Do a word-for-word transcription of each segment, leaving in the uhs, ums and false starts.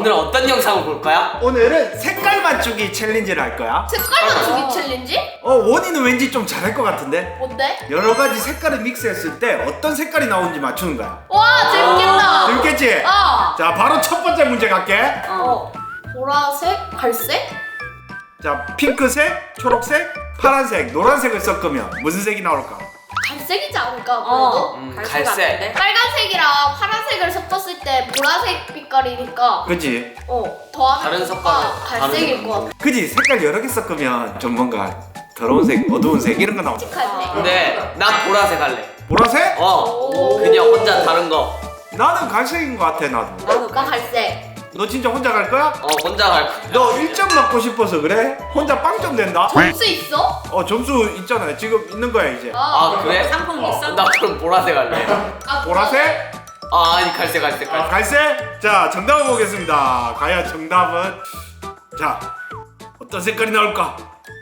오늘 어떤 영상을 볼 거야? 오늘은 색깔 맞추기 챌린지를 할 거야. 색깔 맞추기 챌린지? 어, 원이는 왠지 좀 잘할 것 같은데? 뭔데? 여러 가지 색깔을 믹스했을 때 어떤 색깔이 나오는지 맞추는 거야. 와 재밌겠다. 재밌겠지? 어. 자, 바로 첫 번째 문제 갈게. 어. 보라색, 갈색? 자, 핑크색, 초록색, 파란색, 노란색을 섞으면 무슨 색이 나올까? 갈색이지 않을까 그래도? 어. 음, 갈색 갈색. 같은데? 빨간색이랑 파란색을 섞었을 때 보라색 빛깔이니까 그지? 어 더하면 다른 뭔가 색깔은 갈색일 다른 것 같아. 그지? 색깔 여러 개 섞으면 좀 뭔가 더러운 색, 어두운 색 이런 거 나오잖아. 칙할래. 근데 난 보라색 할래. 보라색? 어. 오. 그냥 혼자 다른 거. 나는 갈색인 것 같아, 나도. 나도 나 갈색. 너 진짜 혼자 갈 거야? 어, 혼자 갈 거야. 너 일 점 맞고 싶어서 그래? 혼자 빵점 된다? 점수 있어? 어, 점수 있잖아. 지금 있는 거야, 이제. 아, 그래? 상품 있어? 나 그럼 보라색 할래. 아, 보라색? 아, 아니 갈색 갈색 아, 갈색. 갈색? 자, 정답을 보겠습니다. 과연 정답은? 자, 어떤 색깔이 나올까?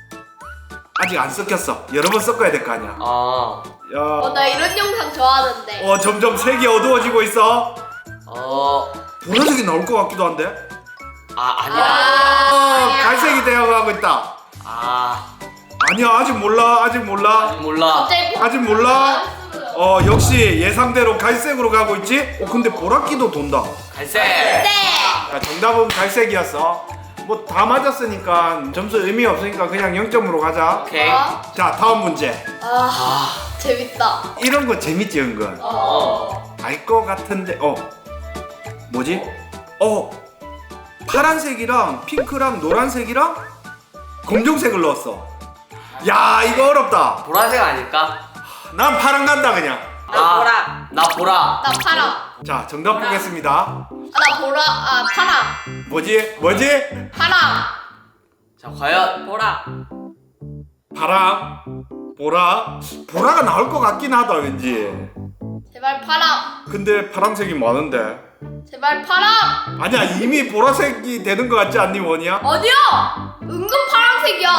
아직 안 섞였어. 여러 번 섞어야 될 거 아니야. 아. 야, 어, 나 이런 영상 좋아하는데. 어, 점점 색이 어두워지고 있어. 어. 보라색이 나올 것 같기도 한데. 아, 아니야. 어, 아니야. 갈색이 되어가고 있다. 아. 아니야, 아직 몰라, 아직 몰라, 몰라. 갑자기 아직 몰라. 어, 역시 예상대로 갈색으로 가고 있지. 어, 근데 보라기도 돈다. 갈색. 네. 자, 정답은 갈색이었어. 뭐 다 맞았으니까 점수 의미 없으니까 그냥 영 점으로 가자. 오케이. 어? 자, 다음 문제. 아, 아. 재밌다. 이런 거 재밌지, 은근. 어. 알 것 같은데, 어. 뭐지? 어. 파란색이랑 핑크랑 노란색이랑 검정색을 넣었어. 야, 이거 어렵다. 보라색 아닐까? 난 파란 간다, 그냥. 나 보라. 나 보라. 나 파랑. 자, 정답 보겠습니다. 아, 나 보라. 아, 파랑. 뭐지? 뭐지? 파랑. 자, 과연 보라. 파랑, 보라. 보라가 나올 것 같긴 하다, 왠지. 제발 파랑. 근데 파란색이 많은데. 제발 파랑. 아니야, 이미 보라색이 되는 것 같지 않니, 원이야? 어디야? 은근 파란색이야.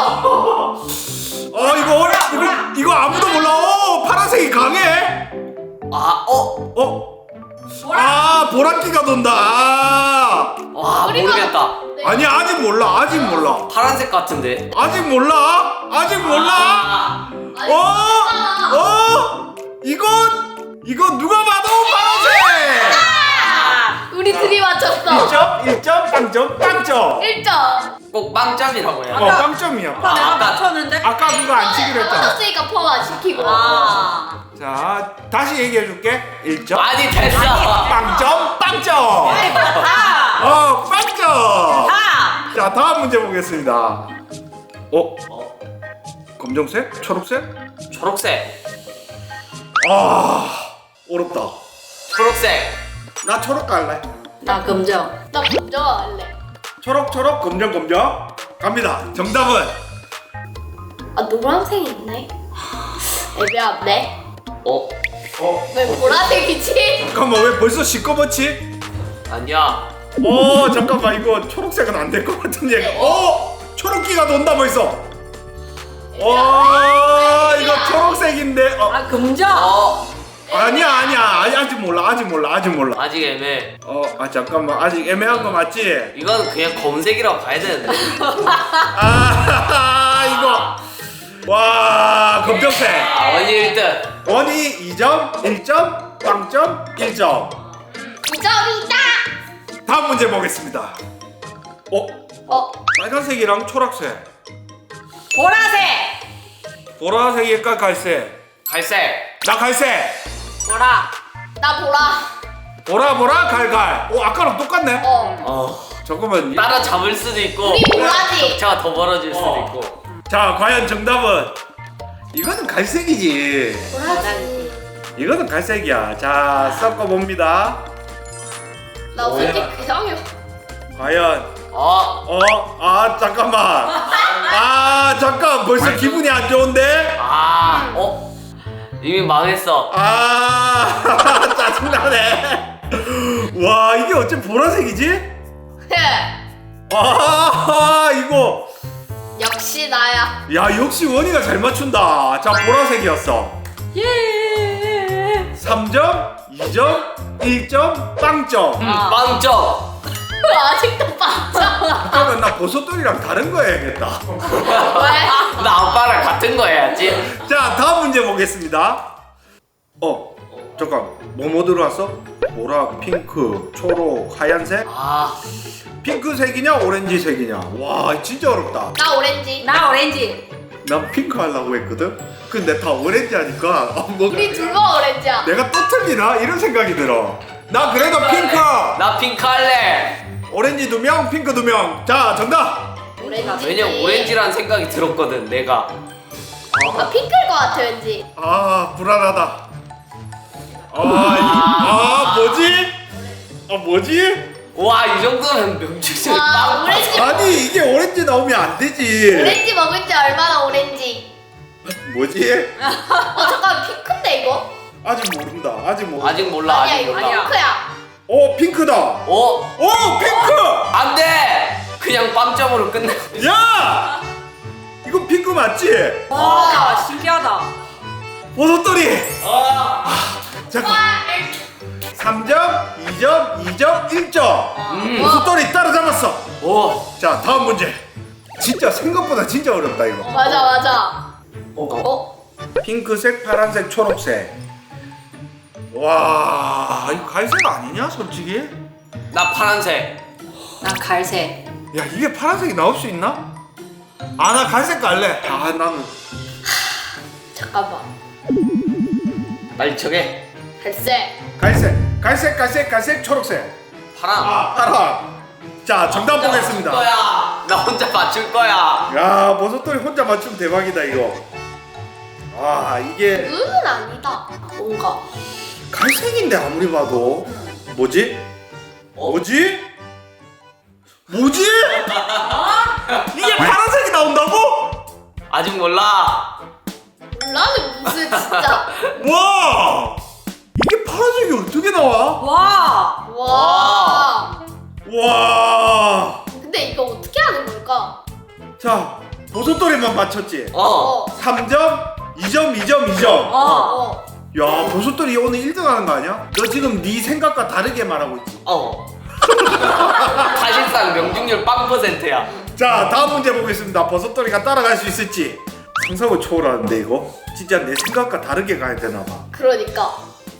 어, 이거 어려, 이거, 이거 아무도 몰라. 어, 파란색이 강해. 아, 어. 어, 아, 보라기가 돈다. 아. 와, 우리가- 모르겠다. 네. 아니야, 아직 몰라, 아직 몰라. 파란색 같은데. 아직 몰라, 아직 몰라. 아. 아니, 어, 진짜. 어, 이건, 이건 누가 봐도 파란색. 아. 우리 둘이 맞췄어. 일 점, 일 점, 빵점, 빵점. 일 점. 꼭 빵점이라고 해야 어, 돼. 빵점이야. 아까 내가 아까- 맞췄는데? 아까 그거 안 치기로 했잖아. 맞췄으니까 포만 시키고. 아. 자, 다시 얘기해 줄게. 일 점. 아니 됐어. 빵점, 빵점. 아. 어, 빵점. 아. 자, 다음 문제 보겠습니다. 어? 검정색? 초록색? 초록색. 아, 어렵다. 초록색. 나 초록 갈래. 나 검정. 나 먼저 할래. 초록, 초록, 검정, 검정. 갑니다. 정답은 아, 노란색 있네. 애매한데? 어? 어, 왜 보라색이지? 잠깐만, 왜 벌써 시꺼멓지? 아니야. 어, 잠깐만, 이거 초록색은 안 될 것 같은 얘가. 어, 초록기가 돈다 벌써. 어, 이거 초록색인데. 어, 아 검정. 어. 아니야, 아니야, 아니, 아직 몰라, 아직 몰라, 아직 몰라. 아직 애매. 어, 아 잠깐만, 아직 애매한 거 맞지? 이건 그냥 검색이라고 봐야 되는데. 아, 이거. 와, 검정색. 아, 원이 일 등. 원이 이 점, 일 점, 빵점, 일 점. 이 점이다. 다음 문제 보겠습니다. 어, 어, 빨간색이랑 초록색, 보라색. 보라색일까 갈색? 갈색. 나 갈색. 보라. 나 보라. 보라 보라 갈갈. 오, 아까랑 똑같네. 어. 어. 잠깐만. 따라 잡을 수도 있고. 우리 보라지. 격차가 더 벌어질 수도 어. 있고. 자, 과연 정답은 이거는 갈색이지. 보라지. 이거는 갈색이야. 자, 섞어 봅니다. 나 솔직히 그냥이야. 과연 어. 어, 아 잠깐만. 아 잠깐, 벌써 기분이 안 좋은데. 아. 어. 이미 망했어. 아 짜증나네. 와, 이게 어째 보라색이지? 아 이거. 역시 나야. 야, 역시 원이가 잘 맞춘다. 자, 보라색이었어. 예. 삼 점, 이 점, 일 점, 빵점. 음, 빵점. 아직도 빵점. 그러면 나 버섯돌이랑 다른 거 해야겠다. 왜? 나 아빠랑 같은 거 해야지. 자, 다음 문제 보겠습니다. 어, 잠깐. 뭐뭐 들어왔어? 보라, 핑크, 초록, 하얀색? 아, 핑크색이냐 오렌지색이냐? 와, 진짜 어렵다. 나 오렌지. 나 오렌지. 난 핑크 하려고 했거든. 근데 다 오렌지 하니까 어, 뭐 우리 둘만 오렌지야. 내가 또 틀리나? 이런 생각이 들어. 나 그래도 핑크. 나 핑크 할래. 오렌지 두 명, 핑크 두 명. 자, 정답. 오렌지. 왜냐면 오렌지라는 생각이 들었거든, 내가. 나 핑크일 것 같아 왠지. 아, 불안하다. 아, 이- 아, 뭐지? 아, 뭐지? 와, 이 정도면 명중률 와 빵. 오렌지. 아니, 이게 오렌지 나오면 안 되지. 오렌지 먹을 때 얼마나 오렌지. 뭐지? 어 잠깐 핑크인데 이거? 아직 모른다. 아직 모른다. 아직 몰라, 아니야 아직 이거 몰라. 아니야. 핑크야. 오, 핑크다. 어? 오, 핑크. 안 돼! 그냥 빵점으로 끝내. 야! 이거 핑크 맞지? 와, 신기하다. 버섯돌이. 아, 잠깐. 삼 점, 이 점, 이 점, 일 점. 음. 버섯돌이 따라잡았어. 오. 자, 다음 문제. 진짜 생각보다 진짜 어렵다 이거. 맞아 맞아. 어. 어? 핑크색, 파란색, 초록색. 와, 이거 갈색 아니냐, 솔직히? 나 파란색. 나 갈색. 야, 이게 파란색이 나올 수 있나? 아, 나 갈색 갈래. 아, 나는 잠깐만. 빨리 정해. 갈색. 갈색, 갈색, 갈색, 갈색, 초록색. 파랑. 아, 파란. 자, 정답 혼자 보겠습니다. 맞출 거야. 나 혼자 맞출 거야. 야, 버섯돌이 혼자 맞추면 대박이다 이거. 아, 이게 눈은 아니다. 뭔가. 갈색인데 아무리 봐도 뭐지? 뭐지? 뭐지? 이게 파란색이 나온다고? 아직 몰라. 몰라는 무슨 진짜. 와! 이게 파란색이 어떻게 나와? 와. 와. 와! 근데 이거 어떻게 하는 걸까? 자, 버섯돌이만 맞췄지? 어. 어. 삼 점, 이 점, 이 점, 이 점. 어. 어. 야, 버섯돌이 오늘 일 등 하는 거 아니야? 너 지금 네 생각과 다르게 말하고 있지? 어. 사실상 명중률 빵 퍼센트야. 자, 다음 문제 보겠습니다. 버섯돌이가 따라갈 수 있을지. 상상을 초월하는데 이거 진짜 내 생각과 다르게 가야 되나 봐. 그러니까.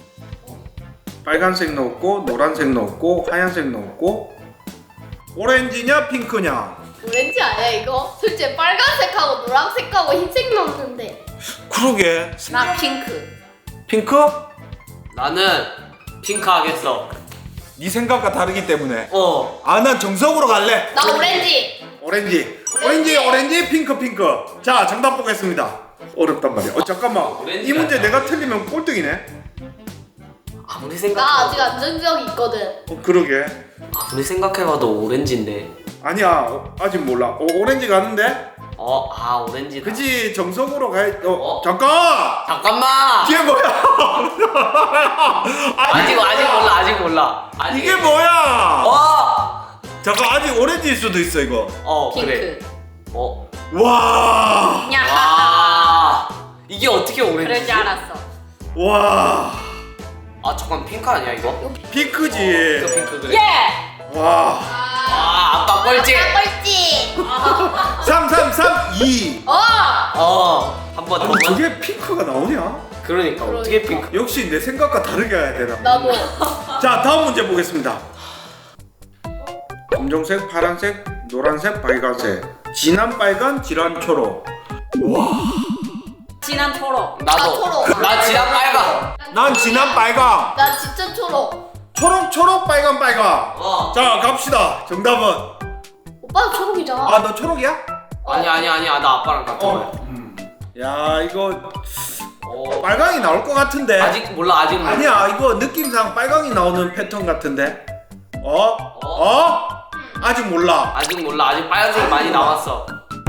빨간색 넣었고 노란색 넣었고 하얀색 넣었고 오렌지냐 핑크냐. 오렌지 아니야 이거? 솔직히 빨간색하고 노란색하고 흰색 넣었는데. 그러게. 나 핑크. 핑크? 나는 핑크 하겠어. 네 생각과 다르기 때문에. 어. 아, 난 정석으로 갈래. 나 오렌지. 오렌지. 오렌지, 오렌지, 핑크, 핑크. 자, 정답 보겠습니다. 어렵단 말이야. 어, 잠깐만. 오렌지가 이 문제 아니야. 내가 틀리면 꼴등이네. 아무리 나 생각. 아직 안정적이 있거든. 어, 그러게. 아무리 생각해봐도 오렌지인데. 아니야, 어, 아직 몰라. 어, 오렌지 가는데? 어, 아 오렌지. 그치, 정석으로 가야. 어, 어? 잠깐. 잠깐만. 이게 뭐야? 아직 아직 몰라 아직 몰라. 아직. 이게 뭐야? 어. 잠깐, 아직 오렌지일 수도 있어 이거. 어 핑크. 그래. 어. 와, 야. 와. 이게 어떻게 오렌지? 그럴 줄 알았어. 와, 아 잠깐 핑크 아니야 이거? 핑크지. 핑크 핑크 그래. 예. 와, 아 아빠 꼴찌. 나 꼴찌. 삼, 삼, 삼, 이. 어. 어. 한 번 더. 아니, 저게 핑크가 나오냐? 그러니까 어떻게 핑크? 역시 내 생각과 다르게 해야 되나? 나도. 자, 다음 문제 보겠습니다. 검정색, 파란색, 노란색, 빨간색. 진한 빨간, 진한 초록. 진한 초록. 나 나도. 초록. 나 지난 빨강. 난 진한 빨강. 나 진짜 초록. 초록, 초록, 빨간, 빨강. 어. 자, 갑시다. 정답은. 오빠도 초록이잖아. 아, 너 초록이야? 아니 아니 아니야 나 아빠랑 같은 거야. 어. 야, 이거 어. 빨강이 나올 것 같은데. 아직 몰라 아직 몰라. 아니야, 이거 느낌상 빨강이 나오는 패턴 같은데. 어? 어? 아직 몰라. 아직 몰라 아직 빨간색 많이 남았어.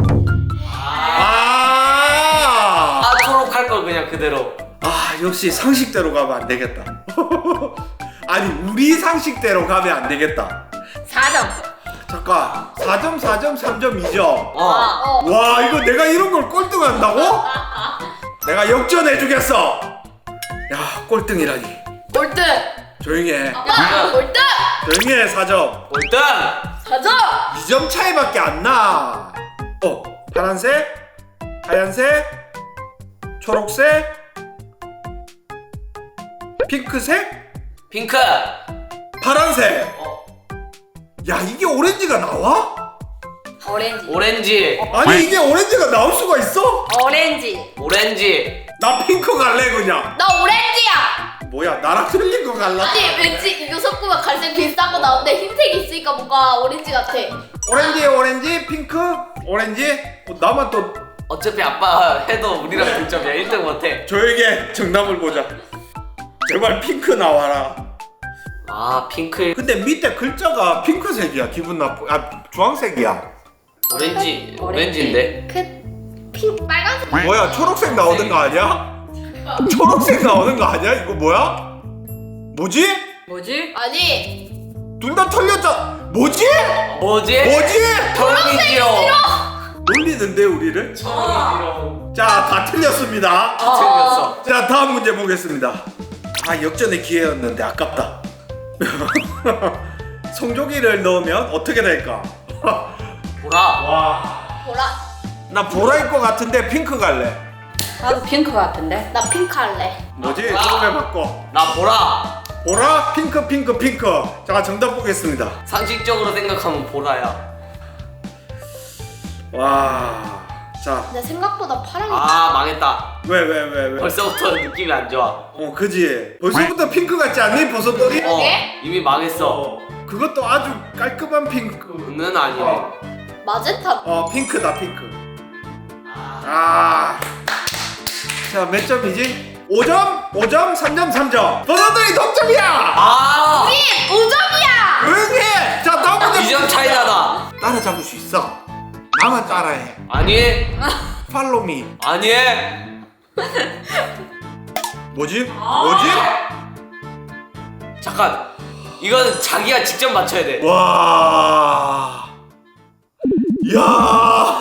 아, 아 초록 할 걸 그냥 그대로. 아, 역시 상식대로 가면 안 되겠다. 아니, 우리 상식대로 가면 안 되겠다. 사 점. 잠깐, 사 점, 사 점, 삼 점, 이 점. 어. 어. 와, 이거 내가 이런 걸 꼴등한다고? 내가 역전해주겠어. 야, 꼴등이라니. 꼴등. 조용히 해. 아빠 골등. 조용히 해. 사 점. 골등. 사 점. 이 점 차이밖에 안 나. 어, 파란색, 하얀색, 초록색, 핑크색, 핑크. 파란색. 어, 야, 이게 오렌지가 나와? 오렌지. 오렌지. 아니, 이게 오렌지가 나올 수가 있어? 오렌지. 오렌지. 나 핑크 갈래 그냥. 나 오렌지야. 뭐야, 나랑 틀린 거 갈라? 아니 왠지 이거 섞으면 갈색 비슷한 거 나오는데 흰색이 있으니까 뭔가 오렌지 같아. 오렌지, 오렌지, 핑크, 오렌지. 어, 나만 또 어차피 아빠 해도 우리랑 동점이야. 일 등 못해. 조용히 정답을 보자. 제발 핑크 나와라. 아 핑크. 근데 밑에 글자가 핑크색이야. 기분 나쁘. 아, 주황색이야. 오렌지. 오렌지인데. 그핑 빨간색. 뭐야, 초록색 나오는 거 아니야? 초록색 나오는 거 아니야? 이거 뭐야? 뭐지? 뭐지? 아니 둘 다 틀렸잖아. 뭐지? 뭐지? 뭐지? 초록이지요. 놀리는데 우리를? 초록이지요. 자, 다 틀렸습니다. 틀렸어. 자, 다음 문제 보겠습니다. 아, 역전의 기회였는데 아깝다. 성조기를 넣으면 어떻게 될까? 보라. 와, 보라. 나 보라일 것 같은데 핑크 갈래. 나도 핑크 같은데. 나 핑크 할래. 뭐지? 아. 처음에 바꿔. 나 보라. 보라, 핑크, 핑크, 핑크. 자, 정답 보겠습니다. 상식적으로 생각하면 보라야. 와, 자, 근데 생각보다 파랑이. 아 망했다. 왜, 왜, 왜, 왜? 벌써부터 느낌이 안 좋아. 어, 그지? 벌써부터 핑크 같지 않니? 버섯돌이? 어 네? 이미 망했어. 어, 그것도 아주 깔끔한 핑크. 는 아니네. 어, 마젠타. 어, 핑크다, 핑크. 아, 자, 몇 점이지? 오 점, 오 점, 삼 점, 삼 점. 버섯돌이 동점이야. 아 오 점이야. 조용히 해. 자, 다음 문제. 이 점 차이 나다. 따라잡을 수 있어. 나만 따라해. 아니 팔로미. 아니. 뭐지? 뭐지? 잠깐. 이거는 자기가 직접 맞춰야 돼. 와. 야.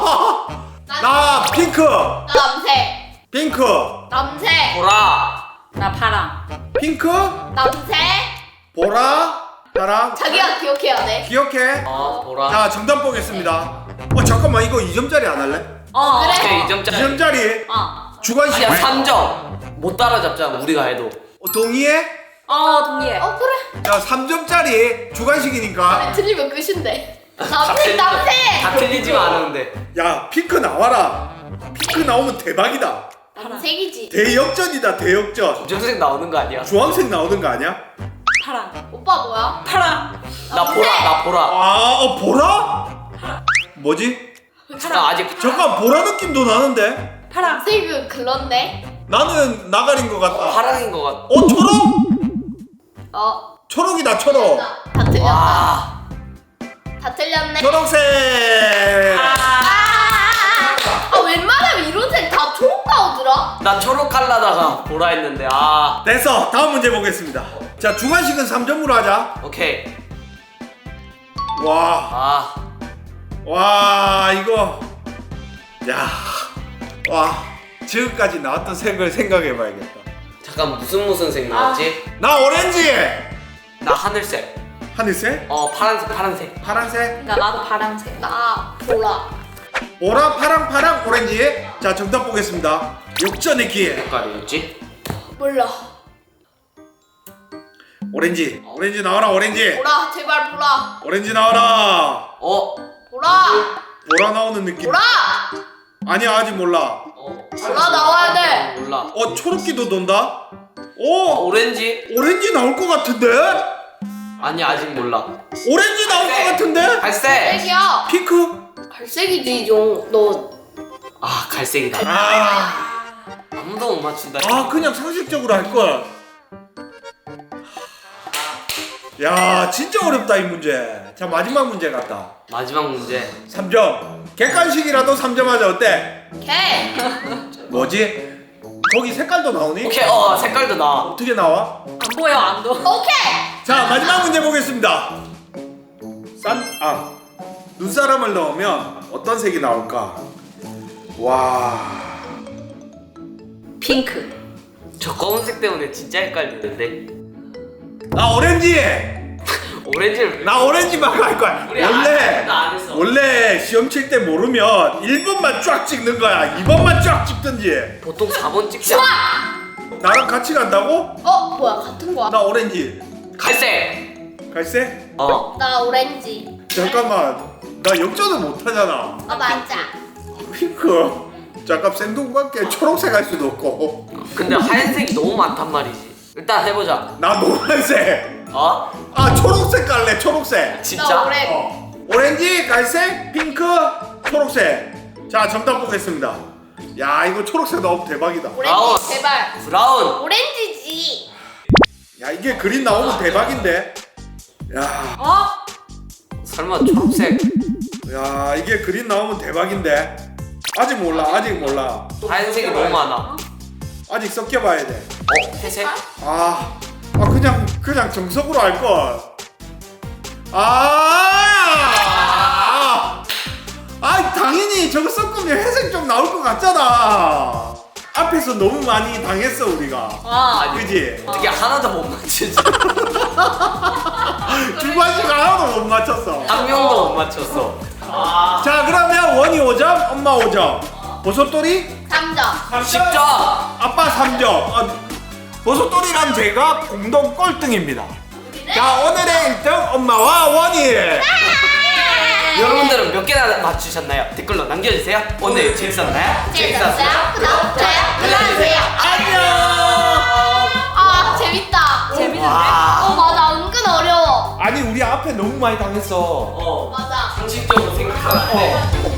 나 핑크. 남색. 핑크. 남색. 보라. 나 파랑. 핑크. 남색. 보라. 나랑 자기가 기억해야 돼. 기억해. 어 보라. 자, 정답 보겠습니다. 어, 잠깐만, 이거 이 점짜리 안 할래? 어. 그래. 오케이 이 이 점짜리. 점짜리 어. 주관식. 아니야 삼 점. 못 따라잡잖아 우리가 해도. 어, 동의해? 어 동의해. 어 그래. 자, 삼 점짜리 주관식이니까. 틀리면 끝인데. 다 남색 틀리- 남색. 다 틀리지만 않은데. 야, 핑크 나와라. 핑크 나오면 대박이다. 남색이지. 대역전이다, 대역전. 검정색 나오는 거 아니야? 주황색 나오는 거 아니야? 파랑. 오빠 뭐야? 파랑. 나 보라 나 보라. 아, 어, 보라? 뭐지? 나 아직 잠깐, 보라 느낌도 나는데? 파랑. 남색은 글렀네. 나는 나가린 것 같다. 파랑인 것 같아. 어, 초록? 어. 초록이다, 초록. 다 틀렸다. 와. 다 틀렸네. 초록색. 아, 아 웬만하면 이런 색 다 초록 나오더라. 나 초록 갈라다가 보라 했는데 아. 됐어. 다음 문제 보겠습니다. 자, 주관식은 삼 점으로 하자. 오케이. 와, 아. 와, 이거. 야, 와, 지금까지 나왔던 색을 생각해봐야겠다. 잠깐 무슨 무슨 색 나왔지? 나 오렌지. 나 하늘색. 하늘색? 어 파란색 파란색. 파란색? 나 나도 파랑색. 나 보라. 보라, 파랑, 파랑, 오렌지. 자, 정답 보겠습니다. 역전의 기회. 색깔이었지? 몰라. 오렌지. 오렌지 나와라, 오렌지. 보라 제발 보라. 오렌지 나와라. 어. 보라. 보라 나오는 느낌. 보라. 아니야, 아직 몰라. 어. 보라 나와야 돼. 몰라. 어, 초록기도 돈다. 어, 오, 오렌지? 오렌지 나올 것 같은데? 아니 아직 몰라. 오렌지 나올 것 같은데? 갈색. 갈색이야. 핑크? 갈색이지 용. 너 아 갈색이다. 아, 아무도 못 맞춘다. 아 그냥 상식적으로 할 걸. 야, 진짜 어렵다 이 문제. 자, 마지막 문제 같다. 마지막 문제. 삼 점. 객관식이라도 삼 점 하자. 어때? 개. 뭐지? 거기 색깔도 나오니? 오케이 어 색깔도 나와. 어떻게 나와? 안 보여 안 보. 오케이. 자, 마지막 문제 보겠습니다. 싼, 아, 눈사람을 넣으면 어떤 색이 나올까? 와, 핑크. 저 검은색 때문에 진짜 헷갈리는데. 나 오렌지. 오렌지를 나 오렌지만 갈 거야. 우리 원래 안- 나안 했어. 원래 시험 칠 때 모르면 일 번만 쫙 찍는 거야. 이 번만 쫙 찍든지. 보통 사 번 찍지 않아? 나랑 같이 간다고? 어 뭐야 같은 거야? 나 오렌지. 갈색. 갈색? 어. 나 오렌지. 잠깐만. 나 역전을 못 하잖아. 아 맞아. 핑크. 잠깐 생동관계 초록색 할 수도 없고. 근데 하얀색이 너무 많단 말이지. 일단 해보자. 나 노란색. 어? 아 초록색 갈래. 초록색. 나 진짜? 오렌. 어. 오렌지, 갈색, 핑크, 초록색. 자 정답 보겠습니다. 야 이거 초록색 나오면 대박이다. 아우. 오렌지 제발. 브라운. 오렌지지. 야 이게 그림 나오면 대박인데. 야, 어? 설마 초록색. 야 이게 그림 나오면 대박인데. 아직 몰라. 아직 몰라. 하얀색이 너무 많아. 아직 섞여봐야 돼. 어? 회색? 아, 아 그냥 그냥 정석으로 할 걸. 아, 아 당연히 저거 섞으면 회색 좀 나올 것 같잖아. 앞에서 너무 많이 당했어 우리가. 아. 그지? 어떻게 하나도 못 맞추지? 두 번씩 하나도 못 맞췄어. 한 명도 못 맞췄어. 자 그러면 원이 오 점, 엄마 오 점. 버섯돌이 삼 점. 십 점. 아빠 삼 점. 아, 버섯돌이랑 제가 공동 꼴등입니다. 자 오늘의 일 등 엄마와 원이. 여러분들은 몇 개나 맞추셨나요? 댓글로 남겨주세요. 오늘 재밌었나요? 재밌었어요? 구독, 좋아요 눌러주세요. 안녕. 아 재밌다. 재밌는데? 와. 어 맞아 은근 어려워. 아니 우리 앞에 너무 많이 당했어. 어. 맞아. 상식적으로 생각하는데